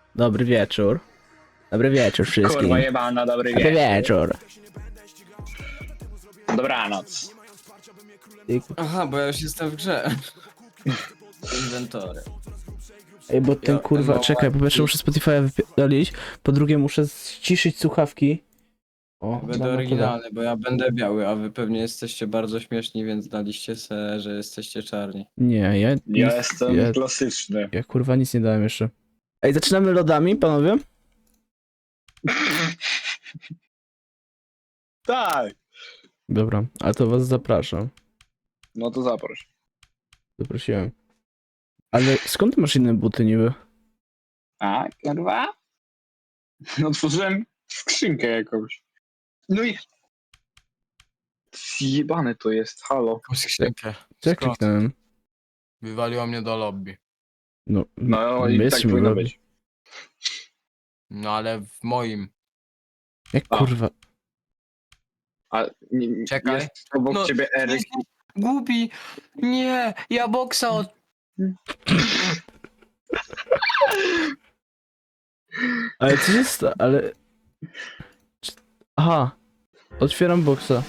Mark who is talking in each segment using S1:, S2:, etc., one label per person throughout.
S1: Dobry wieczór. Dobry wieczór wszystkim.
S2: Kurwa jebana, dobry
S1: Dobry
S2: wieczór.
S1: wieczór.
S2: Dobranoc.
S3: Aha, bo ja już jestem w grze. Inwentory.
S1: Ej, bo ten
S3: Ja-
S1: kurwa,
S3: no,
S1: czekaj, po pierwsze muszę Spotify'a wypierdolić, po drugie muszę ściszyć słuchawki. O,
S3: Będę
S1: mam
S3: oryginalny, bo ja będę biały, a wy pewnie jesteście bardzo śmieszni, więc daliście se, że jesteście czarni.
S1: Nie, ja
S2: Ja jestem
S1: ja,
S2: klasyczny.
S1: ja kurwa nic nie dałem jeszcze. Ej, zaczynamy lodami, panowie?
S2: Tak.
S1: Dobra, a to was zapraszam.
S2: No to zaproś.
S1: Zaprosiłem. Ale skąd ty masz inne buty niby?
S2: A, kurwa? No otworzyłem skrzynkę jakąś. No i... Zjebane to jest, halo.
S3: Jakąś skrzynkę.
S1: Co ja
S3: Skąd?
S1: kliknąłem?
S3: Wywaliło mnie do lobby.
S1: No,
S2: No i
S1: jest
S2: tak
S1: mi
S2: powinno
S1: lobby.
S2: być.
S3: No ale w moim.
S1: Jak
S2: A.
S1: kurwa?
S2: A
S3: Czekaj.
S2: jest obok
S3: No,
S2: ciebie Eryk.
S3: Głupi! Nie! Ja boksa od...
S1: Ale co się ale... Aha. Otwieram boksa.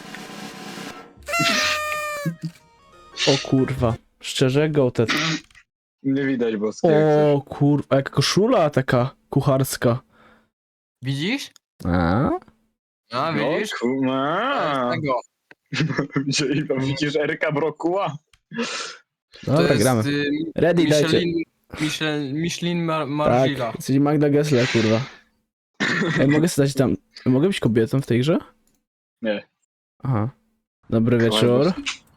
S1: O kurwa. Szczerze, gołtet.
S2: Nie widać boskiego.
S1: O kurwa, jak koszula taka kucharska.
S3: Widzisz?
S1: A?
S3: A,
S2: No,
S3: widzisz?
S2: kurwa.
S3: Tego.
S2: Widzisz Eryka Brokuła?
S1: Dobra, gramy. Ready, dajcie.
S3: Michelin
S1: Tak,
S3: Margila.
S1: jesteś Magda Gessler, kurwa. Ej, mogę stać tam... Mogę być kobietą w tej grze?
S2: Nie.
S1: Aha. Dobry wieczór.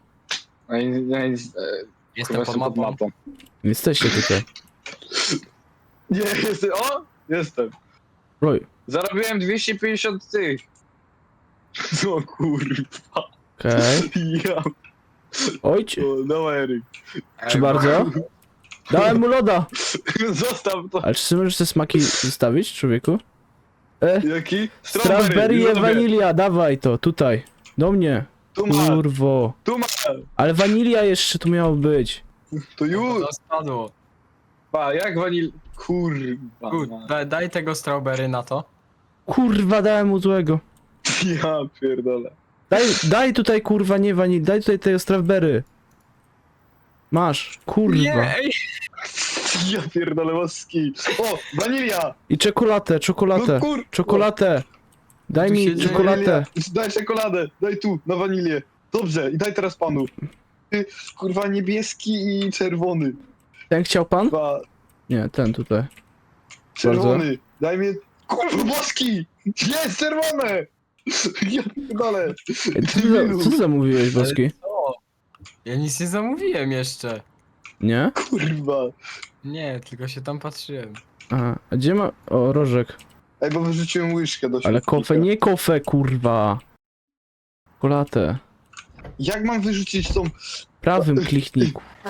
S3: Jestem pod mapą.
S1: Jesteście tutaj.
S2: Nie, jestem. O! Jestem.
S1: Roy.
S2: Zarobiłem 250 tych. O kurwa.
S1: Okej.
S2: Ja.
S1: Ojcie.
S2: O, no Eryk.
S1: Czy bardzo? Dałem mu loda!
S2: Zostaw to.
S1: Ale czy ty możesz te smaki zostawić, człowieku?
S2: Jaki?
S1: Strawberry
S2: lubię.
S1: wanilia, dawaj to, tutaj. Do mnie.
S2: Tu ma,
S1: Kurwo.
S2: tu ma.
S1: Ale wanilia jeszcze tu miało być.
S2: To już.
S3: To spadło.
S2: Pa, jak wanil... Kurwa.
S3: Daj tego strawberry na to.
S1: Kurwa, dałem mu złego.
S2: Ja pierdolę.
S1: Daj tutaj, kurwa, nie wanil, daj tutaj tego strawberry. Masz, kurwa.
S2: Ja pierdolę łaski. O, wanilia.
S1: I czekoladę,
S2: No kur...
S1: czekoladę. Daj
S3: Tu się
S1: mi
S3: dzieje.
S1: czekoladę.
S2: Daj czekoladę, daj tu, na wanilię. Dobrze, i daj teraz panu. Ty, kurwa, niebieski i czerwony.
S1: Ten chciał pan?
S2: Dwa,
S1: Nie, ten tutaj.
S2: czerwony. Daj mi... Kurwa, boski! Jest, czerwone! Ja pierdolę.
S1: Ej, co ty zamówiłeś, Boski?
S3: Co? Ja nic nie zamówiłem jeszcze.
S1: Nie?
S2: Kurwa.
S3: Nie, tylko się tam patrzyłem.
S1: Aha, a gdzie ma... O, rożek.
S2: Ej, bo wyrzuciłem łyżkę do
S1: Ale
S2: śmietnika.
S1: kofę, nie kofę, kurwa. Czekoladę.
S2: Jak mam wyrzucić tą...
S1: Prawym kliknij.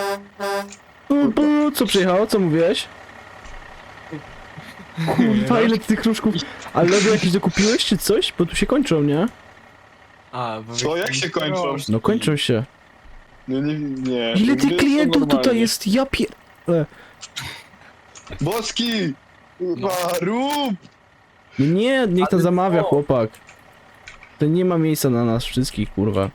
S1: Co przyjechało? Co mówiłeś? Kurwa, ile ty tych kruszków... Ale lody jakieś dokupiłeś, czy coś? Bo tu się kończą, nie?
S3: A, bo
S2: Co, jak się kończą?
S1: No kończą się.
S2: Nie.
S1: Ile tych
S2: Jest to
S1: klientów
S2: normalnie.
S1: tutaj jest? Ja pier...
S2: Boski! Kurwa, rób!
S1: Nie, niech to
S3: Ale
S1: zamawia,
S3: co?
S1: chłopak. To nie ma miejsca na nas wszystkich, kurwa.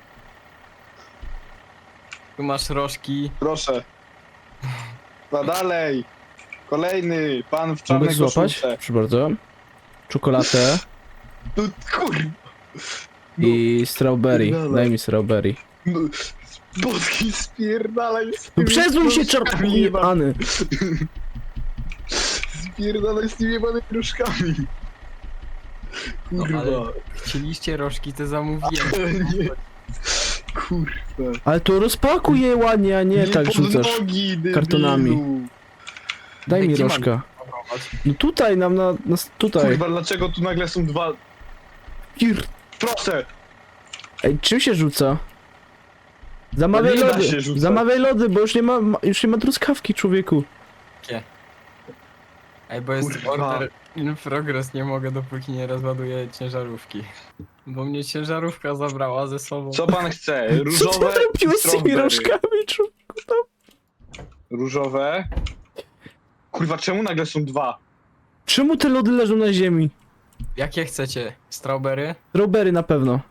S3: tu masz rożki.
S2: Proszę. No dalej. Kolejny. Pan w
S1: Mogę
S2: czarnej
S1: złapać?
S2: koszulce.
S1: Proszę bardzo. Czekoladę
S2: No kurwa.
S1: i strawberry.
S2: Pierdolę.
S1: Daj mi strawberry.
S2: No, Boski spierdalaj z
S1: No
S2: tymi
S1: przezuj się,
S2: kruszkami jeba-
S1: czerwony!
S2: Spierdalaj z tymi jebanymi kruszkami.
S3: No,
S2: Kurwa.
S3: ale chcieliście rożki, to zamówiłem.
S2: Ale nie. Kurwa.
S1: Ale to rozpakuj je ładnie, a nie tak
S2: pod
S1: rzucasz.
S2: nogi, debilu.
S1: kartonami. Daj mi
S3: Gdzie mam
S1: rożka.
S3: Próbować.
S1: No tutaj nam tutaj.
S2: Kurwa, dlaczego tu nagle są dwa...
S1: Kir.
S2: Proszę!
S1: Ej, czym się rzuca? Zamawiaj
S2: No nie da
S1: lody!
S2: się rzucać.
S1: Zamawiaj lody, bo już nie ma truskawki, człowieku.
S3: Ej, bo jest
S2: Kurwa.
S3: order in progress, nie mogę dopóki nie rozładuję ciężarówki. Bo mnie ciężarówka zabrała ze sobą.
S2: Co pan chce?
S1: Co ty
S2: Różowe
S1: robiłeś
S2: i
S1: z tymi
S2: strawberry.
S1: rożkami, człowieku?
S2: Różowe. Kurwa, czemu nagle są dwa?
S1: Czemu te lody leżą na ziemi?
S3: Jakie chcecie? Strawberry?
S1: Strawberry na pewno.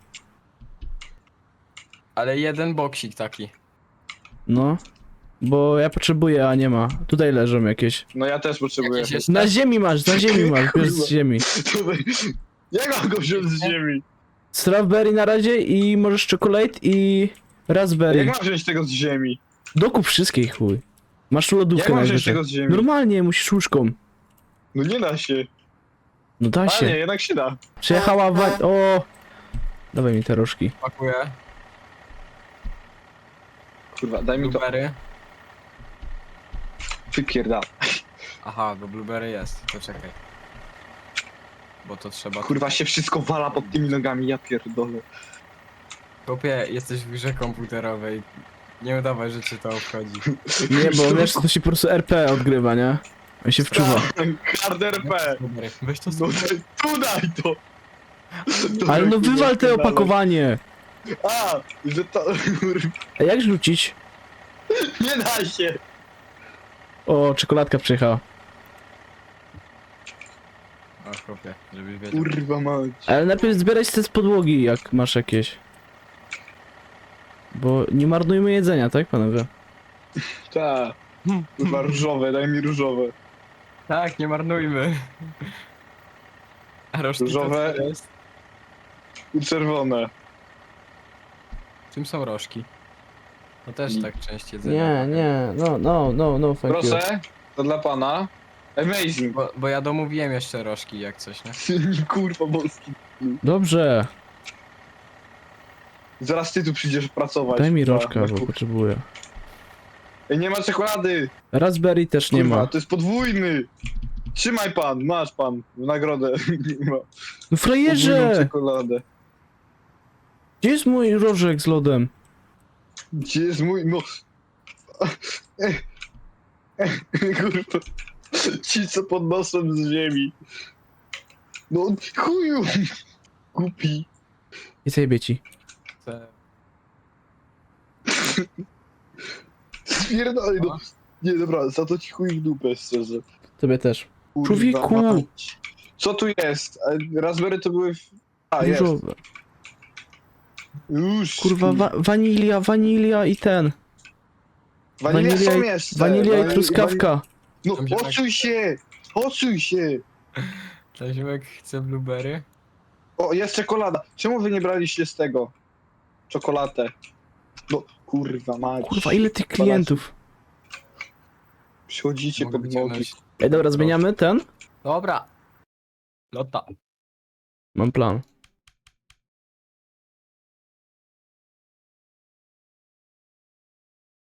S3: Ale jeden boksik taki.
S1: No. Bo ja potrzebuję, a nie ma. Tutaj leżą jakieś.
S2: No ja też potrzebuję.
S3: Jakieś jeszcze?
S1: Na ziemi masz, bierz z ziemi.
S2: Jak mam go wziąć z ziemi?
S1: Strawberry na razie i możesz chocolate i
S2: Jak
S1: raspberry.
S2: mam wziąć tego z ziemi?
S1: Dokup wszystkich, chuj. Masz tu
S2: Jak
S1: lodówkę
S2: mam wziąć
S1: najwyżej.
S2: tego z ziemi?
S1: Normalnie, musisz łóżką.
S2: No nie da się.
S1: No da
S2: A nie,
S1: się.
S2: jednak się da.
S1: Przyjechała O! Dawaj mi te rożki.
S3: Pakuję.
S2: Kurwa, daj mi to.
S3: Blueberry.
S2: Wypierdal.
S3: Aha, bo blueberry jest. To czekaj. Bo to trzeba...
S2: Kurwa się wszystko wala pod tymi nogami, ja pierdolę.
S3: Chłopie, jesteś w grze komputerowej. Nie udawaj, że cię to obchodzi.
S1: Nie, bo wiesz, to się po prostu RP odgrywa, nie? On się wczuwa.
S2: Hard RP.
S3: Blueberry. Weź to
S2: No
S3: sobie.
S2: tu daj to.
S1: Ale no
S2: Kurwa,
S1: wywal te
S2: pierdalaj.
S1: opakowanie!
S2: A, że to... Kurwa,
S1: A jak rzucić?
S2: nie da się.
S1: O, czekoladka przyjechała.
S3: O, chłopie, żebyś wiedział.
S2: Kurwa mać.
S1: Ale najpierw zbierać te z podłogi, jak masz jakieś. Bo nie marnujmy jedzenia, tak panowie?
S2: Ta. Kurwa różowe, daj mi różowe.
S3: Tak, nie marnujmy. A rożki
S2: Różowe.
S3: to co jest?
S2: I czerwone.
S3: Czym są rożki? To też
S2: Nie.
S3: tak część jedzenia.
S1: Nie, no, thank you.
S2: Proszę, to dla pana. Amazing.
S3: Bo ja domówiłem jeszcze rożki jak coś, nie?
S2: Kurwa boski.
S1: Dobrze,
S2: Zaraz ty tu przyjdziesz pracować.
S1: daj mi
S2: kurwa,
S1: rożka,
S2: na
S1: bo
S2: kuchni.
S1: potrzebuję.
S2: Ej, nie ma czekolady.
S1: Raspberry też nie
S2: Kurwa,
S1: ma.
S2: to jest podwójny. Trzymaj pan, masz pan w nagrodę. Nie ma.
S1: No
S2: Podwójną
S1: frajerze!
S2: czekoladę.
S1: Gdzie jest mój rożek z lodem?
S2: Gdzie jest mój, no... Kurwa. Ci co podnoszą z ziemi. No chuju. Głupi.
S1: I zajebie ci.
S3: Chcę-
S2: Spierdolaj no. Nie, dobra, za to ci chuj w dupę, szczerze.
S1: Tobie też.
S2: Kurwa
S1: Człowieku!
S2: mać. Co tu jest? Raspberry to były... A, jest.
S1: Różowe.
S2: Już.
S1: Kurwa, wanilia i ten.
S2: Wanilia
S1: wanilia
S2: są
S1: i-
S2: jeszcze.
S1: Wanilia i truskawka.
S2: No,
S3: Tam się tak-
S2: odsuń się! Odsuń się!
S3: Cześć, chcę blueberry.
S2: O, jest czekolada. Czemu wy nie braliście z tego? Czekoladę. No, kurwa mać.
S1: Kurwa, ile tych klientów.
S2: Przychodzicie
S3: Mogę
S2: pod nogi.
S3: wyciągnąć.
S1: Ej, dobra, zmieniamy ten?
S3: Dobra. Lota.
S1: Mam plan.